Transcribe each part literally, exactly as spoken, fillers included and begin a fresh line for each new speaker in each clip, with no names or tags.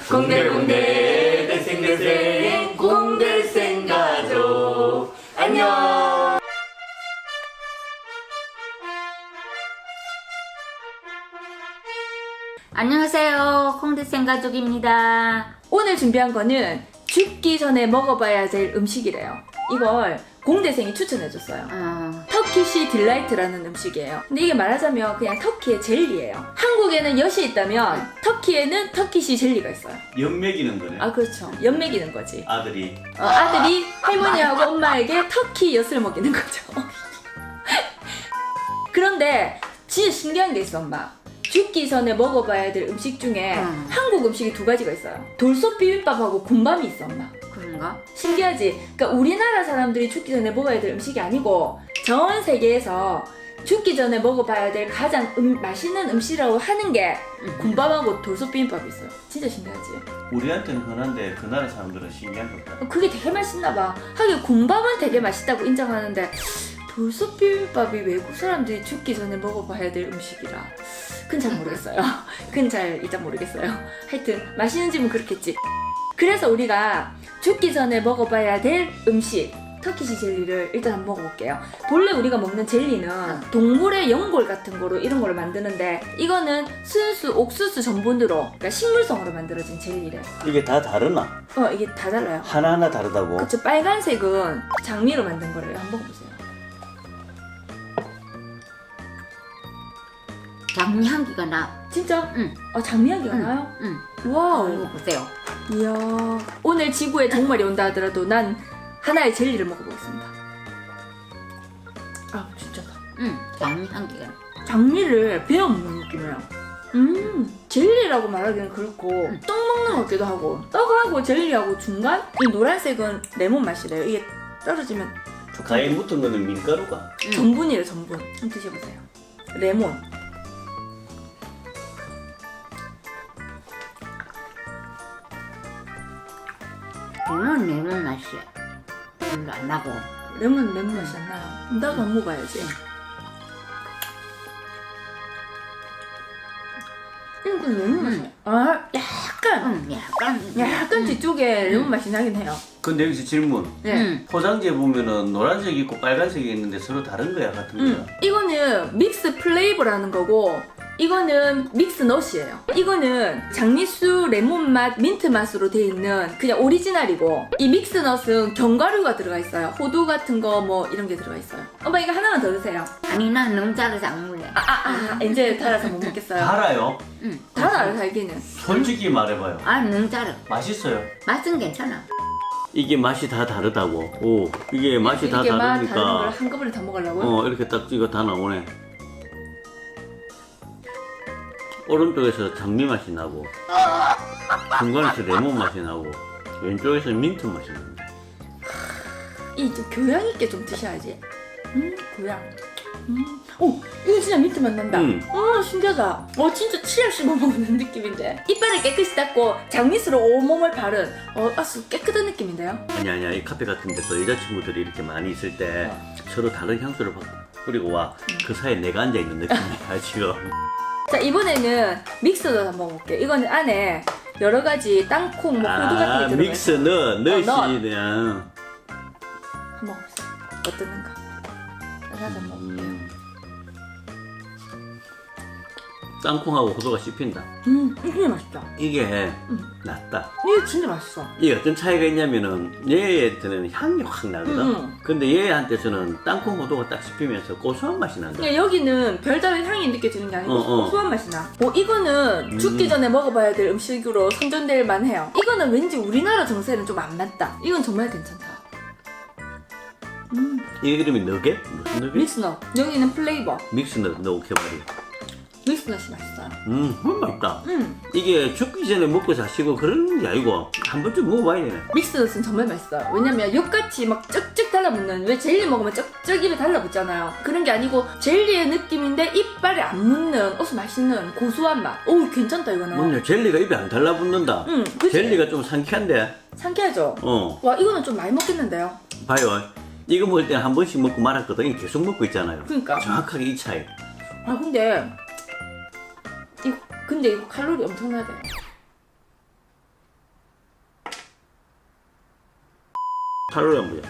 공들공들 대생대생 공들생 가족 안녕.
안녕하세요, 콩대생 가족입니다.
오늘 준비한 거는 죽기 전에 먹어봐야 될 음식이래요. 이걸 공대생이 추천해줬어요.
어,
터키시 딜라이트라는 음식이에요. 근데 이게 말하자면 그냥 터키의 젤리예요. 한국에는 엿이 있다면 터키에는 터키시 젤리가 있어요.
연맥이는 거네.
아 그렇죠. 엿 먹이는 거지.
아들이.
어, 아들이 할머니하고 엄마에게 터키 엿을 먹이는 거죠. 그런데 진짜 신기한 게 있어, 엄마. 죽기 전에 먹어봐야 될 음식 중에
음.
한국 음식이 두 가지가 있어요. 돌솥 비빔밥하고 군밤이 있어, 엄마.
그런가?
신기하지? 그러니까 우리나라 사람들이 죽기 전에 먹어야 될 음식이 아니고 전 세계에서 죽기 전에 먹어봐야 될 가장 음, 맛있는 음식이라고 하는 게
음.
군밤하고 돌솥 비빔밥이 있어요. 진짜 신기하지?
우리한테는 흔한데 그 나라 사람들은 신기한 거다.
그게 되게 맛있나 봐. 하긴 군밤은 되게 맛있다고 인정하는데 돌솥 비빔밥이 외국 사람들이 죽기 전에 먹어봐야 될 음식이라 그건 잘 모르겠어요. 그건 잘 일단 모르겠어요. 하여튼 맛있는 집은 그렇겠지. 그래서 우리가 죽기 전에 먹어봐야 될 음식 터키시 젤리를 일단 한번 먹어볼게요. 본래 우리가 먹는 젤리는 동물의 연골 같은 거로 이런 걸 만드는데 이거는 순수 옥수수 전분으로 그러니까 식물성으로 만들어진 젤리래.
이게 다 다르나?
어 이게 다 달라요.
하나하나 다르다고?
그쵸, 빨간색은 장미로 만든 거래요. 한번 먹어보세요.
장미 향기가 나.
진짜?
응.
아 장미 향기가
응.
나요?
응.
와우.
이거 보세요.
이야. 오늘 지구에 종말이 온다 하더라도 난 하나의 젤리를 먹어보겠습니다. 아 진짜다.
응. 장미 향기가 나.
장미를 베어 먹는 느낌이에요. 음 젤리라고 말하기는 그렇고
응.
떡 먹는 것 같기도 하고 떡하고 젤리하고 중간 이 노란색은 레몬 맛이래요. 이게 떨어지면
가에 묻은 거는 밀가루가.
응.
전분이래 전분. 한번 드셔보세요. 레몬.
레몬 레몬 맛이야. 별로 안 나고.
레몬 레몬 맛이 안 나요. 나도 안 먹어야지. 음, 그 레몬 맛이.
음.
아, 약간,
응. 약간.
약간 뒤쪽에
음.
레몬 맛이 나긴 해요.
근데 여기서 질문.
네.
응.
포장지에 보면은 노란색이 있고 빨간색이 있는데 서로 다른 거야, 같은 거야?
음, 이거는 믹스 플레이버라는 거고, 이거는 믹스 넛이에요. 이거는 장미수 레몬 맛, 민트 맛으로 돼 있는 그냥 오리지널이고, 이 믹스 넛은 견과류가 들어가 있어요. 호두 같은 거 뭐 이런 게 들어가 있어요. 엄마 이거 하나만 더 드세요.
아니 난 너무 짜서 안 먹을래.
아, 아, 이제 달아서 못 먹겠어요.
달아요?
응.
달아요, 달기는.
솔직히 말해봐요.
아 너무 짜려.
맛있어요.
맛은 괜찮아.
이게 맛이 다 다르다고. 오, 이게 맛이 다
이게 맛 다른 걸
다르니까.
한꺼번에 다 먹으려고요?
어, 이렇게 딱 이거 다 나오네. 오른쪽에서 장미 맛이 나고, 중간에서 레몬 맛이 나고, 왼쪽에서 민트 맛이 납니다.
이 좀 교양 있게 좀 드셔야지. 음, 교양. 음, 오, 이거 진짜 민트 맛 난다.
음.
어, 신기하다. 어, 진짜 치약 씹어 먹는 느낌인데. 이빨을 깨끗이 닦고 장미수로 온몸을 바른 어, 아주 깨끗한 느낌인데요.
아니 아니야, 이 카페 같은 데서 여자친구들이 이렇게 많이 있을 때 서로 다른 향수를 바- 뿌리고 와. 그 사이에 내가 앉아 있는 느낌이야 지금.
자, 이번에는 믹스도 한번 먹어볼게요. 이거는 안에 여러 가지 땅콩, 뭐 호두 같은 게
아,
들어가 있어요.
믹스는 넣으시
넣어.
그냥.
한번 먹어보세요. 어떠는가? 하나 더 먹어볼게요.
음. 땅콩하고 호두가 씹힌다.
음, 이게 진짜 맛있다.
이게
음.
낫다.
이게 진짜 맛있어.
이게 어떤 차이가 있냐면은 얘한테는 향이 확 나거든.
음.
근데 얘한테서는 땅콩 호두가 딱 씹히면서 고소한 맛이 난다.
그러니까 여기는 별다른 향이 느껴지는 게 아니고
어, 어.
고소한 맛이 나. 어, 이거는
음.
죽기 전에 먹어봐야 될 음식으로 선전될 만해요. 이거는 왠지 우리나라 정세는 좀 안 맞다. 이건 정말 괜찮다. 음,
이 이름이 너겟? 무슨 너겟?
믹스넛. 여기는 플레이버.
믹스넛 넣게말이.
믹스넛이 맛있어요.
음, 정말 맛있다.
음,
이게 죽기 전에 먹고 자시고 그런 게 아니고 한 번쯤 먹어봐야 되네.
믹스넛은 정말 맛있어요. 왜냐면 엿같이 막 쭉쭉 달라붙는, 왜 젤리 먹으면 쭉쭉 입에 달라붙잖아요. 그런 게 아니고 젤리의 느낌인데 이빨에 안 묻는 어서 맛있는 고소한 맛. 오, 괜찮다 이거는.
뭐냐, 젤리가 입에 안 달라붙는다.
음, 그치?
젤리가 좀 상쾌한데.
상쾌하죠?
어,
와, 이거는 좀 많이 먹겠는데요?
봐요. 이거 먹을 때 한 번씩 먹고 말았거든. 이거 계속 먹고 있잖아요.
그러니까.
정확하게 이 차이.
아 근데 이거 근데 이거 칼로리 엄청나대.
칼로리 안 보여.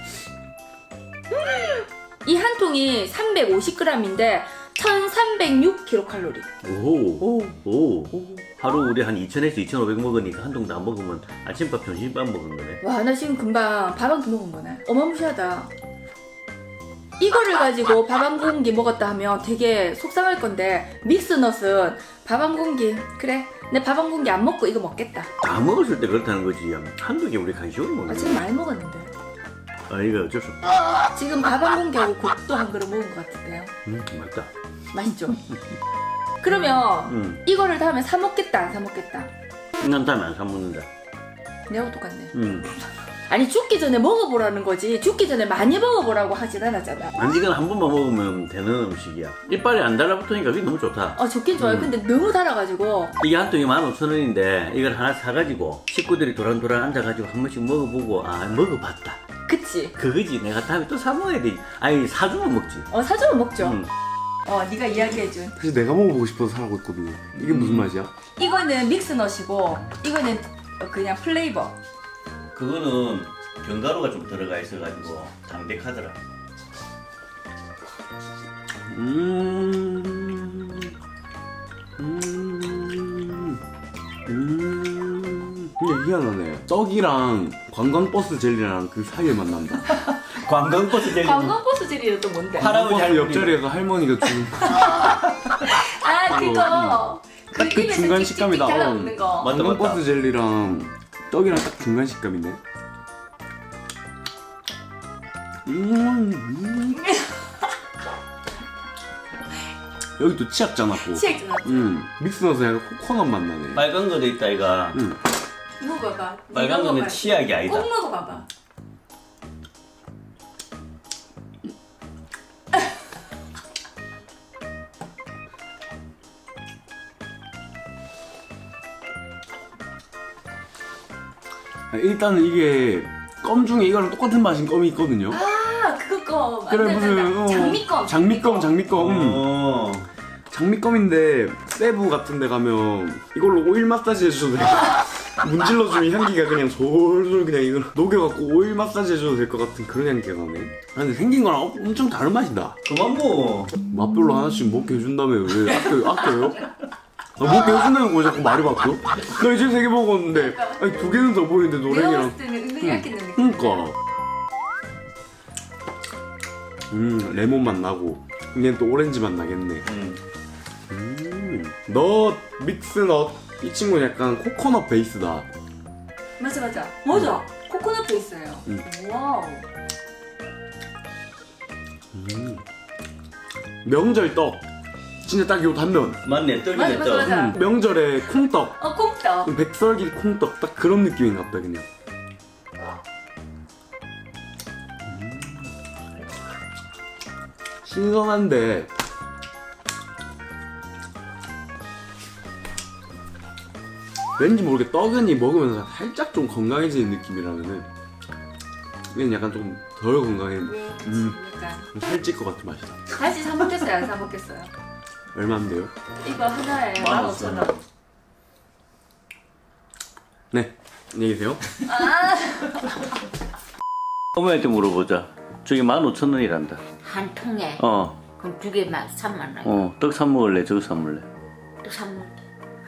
이 한 통이 삼백오십 그램인데 천삼백육 킬로칼로리.
오.
오.
오. 하루 우리 한 이천에서 이천오백 먹으니까 한 통 다 먹으면 아침밥, 점심밥 먹은 거네.
와, 나 지금 금방 밥 한 끼 먹은 거네. 어마무시하다. 이거를 가지고 밥 한 공기 먹었다 하면 되게 속상할 건데 믹스넛은 밥 한 공기 그래 내 밥 한 공기 안 먹고 이거 먹겠다.
다 먹었을 때 그렇다는 거지. 한두 개 우리 간식으로 먹는
아,
거야.
지금 많이 먹었는데
아, 이거 어쩔 수 없다.
지금 밥 한 공기하고 국도 한 그릇 먹은 것 같은데요.
음, 맞다.
맛있죠? 그러면
음.
이거를 다음에 사 먹겠다 안 사 먹겠다?
난 다음에 안 사먹는다.
내하고 똑같네.
음.
아니 죽기 전에 먹어보라는 거지 죽기 전에 많이 먹어보라고 하진 않았잖아.
간식은 한 번만 먹으면 되는 음식이야. 이빨이 안 달라붙으니까 그게 너무 좋다.
어 좋긴 좋아요.
음.
근데 너무 달아가지고
이게 한 통이 만 오천 원인데 이걸 하나 사가지고 식구들이 도란도란 앉아가지고 한 번씩 먹어보고 아 먹어봤다.
그치?
그거지. 내가 다음에 또 사 먹어야 돼. 아니 사주면 먹지.
어 사주면 먹죠.
음.
어 네가 이야기해준
사실 내가 먹어보고 싶어서 사라고 했거든요. 이게 무슨 맛이야?
이거는 믹스넛이고 이거는 그냥 플레이버.
그거는 견과류가 좀 들어가 있어가지고 담백하더라. 음,
음, 음. 근데 희한하네. 떡이랑 관광버스 젤리랑 그 사이에 만난다.
관광버스 젤리.
관광버스 젤리는 또 뭔데?
파- 할아버지,
관광버스
할머니.
옆자리에서 할머니가 준
아 그거 그
딱 그
입에서
중간
찍찍찍
식감이다.
달라붙는 거.
맞다,
관광버스
맞다.
젤리랑 떡이랑 딱 중간 식감이네. 음, 음. 여기 또 치약 짜놨고.
치약 좀
음, 믹스너서 약간 코코넛 맛 나네.
빨간 거도 있다 이가.
음.
먹어봐.
빨간
네가
거는
먹어봐.
치약이 아니다.
꼭 먹어봐봐.
아, 일단은 이게 껌 중에 이거랑 똑같은 맛인 껌이 있거든요.
아 그거 거.
그래,
맞다, 맞다.
무슨, 어,
장미껌.
장미껌, 장미껌. 음.
어.
장미껌인데 세부 같은 데 가면 이걸로 오일 마사지 해줘도 돼. 문질러주면 향기가 그냥 솔솔 그냥 이걸 녹여갖고 오일 마사지 해줘도 될 것 같은 그런 향기가 나네. 아, 근데 생긴 거랑 엄청 다른 맛이다.
그만 뭐.
맛별로 하나씩 먹게 해준다며. 왜 아껴, 아껴요? 아, 먹게 해준다는 거야 자꾸 말이 바뀌어? 나 이제 세 개 먹었는데 아니 두 개는 더 보이는데
내가
노랭이랑.
봤을 때는 은근히 얇겠는 느낌.
그니까 음 레몬 맛 나고 얘는 또 오렌지 맛 나겠네.
음.
음, 넛, 믹스넛 이 친구는 약간 코코넛 베이스다.
맞아 맞아. 맞아. 코코넛 베이스예요.
음.
와우.
음. 명절 떡 진짜 딱 요 단면.
맞네.
맞아,
떡이네
맞아,
떡.
맞아.
음, 명절에 콩떡
어 콩떡.
백설기 콩떡 딱 그런 느낌인가 보다 그냥. 음. 신선한데 왠지 모르게 떡은이 먹으면서 살짝 좀 건강해지는 느낌이라면은 얘는 약간 좀 덜 건강해.
네, 그치.
음.
약간.
좀 살찔 것 같은 맛이다.
다시 사 먹겠어요? 안 사 먹겠어요?
얼마인데요?
이거 하나에 만 오천 원.
네, 안녕히 계세요.
어머니한테 물어보자. 저기 만 오천 원이란다.
한 통에
어,
그럼 두 개만 삼만 원.
어. 떡 사 먹을래? 저거 사 먹을래?
또 삼만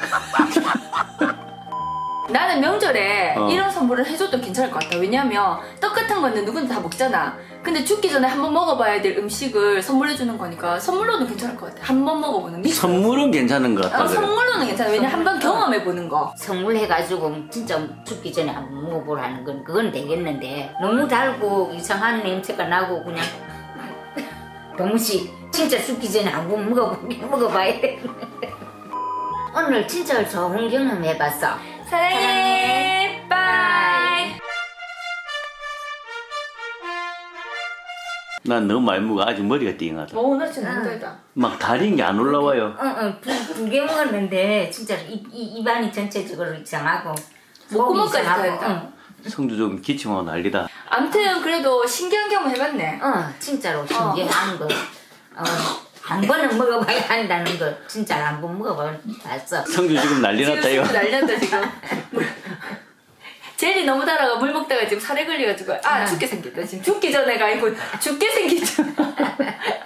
나는 명절에
어.
이런 선물을 해줘도 괜찮을 것 같아. 왜냐면 떡 같은 거는 누구나 다 먹잖아. 근데 죽기 전에 한번 먹어봐야 될 음식을 선물해주는 거니까 선물로는 괜찮을 것 같아. 한 번 먹어보는 게.
선물은 괜찮은 것 같다.
어,
그래.
선물로는 괜찮아. 왜냐면 한 번 경험해보는 거.
선물해가지고 진짜 죽기 전에 한번 먹어보라는 건 그건 되겠는데 너무 달고 이상한 냄새가 나고 그냥 도무지 진짜 죽기 전에 한번 먹어보긴 먹어봐야 돼. 오늘 진짜 좋은 경험 해봤어.
사랑해. 빠이.
난 너무 많이 먹어. 아직 머리가 띵하다.
오, 나 진짜 너무 달다.
막 다린 게 안 올라와요.
어어두 개 먹었는데 진짜 입, 이, 입안이 전체적으로 이상하고
목구멍까지
이상하고,
다르다.
성주 좀 기침하고 난리다.
아무튼 그래도 신기한 경험 해봤네.
어, 어 진짜로 신기한 거. 어, 한 번은 먹어봐야 한다는 거 진짜 한 번 먹어봤어.
성주 지금 난리 났다
지금
이거.
난리났다 지금. 제일 젤리 너무 달아가 물 먹다가 지금 살에 걸려가지고 아 죽게 생겼다 지금 죽기 전에가 아니고 죽게 생겼죠.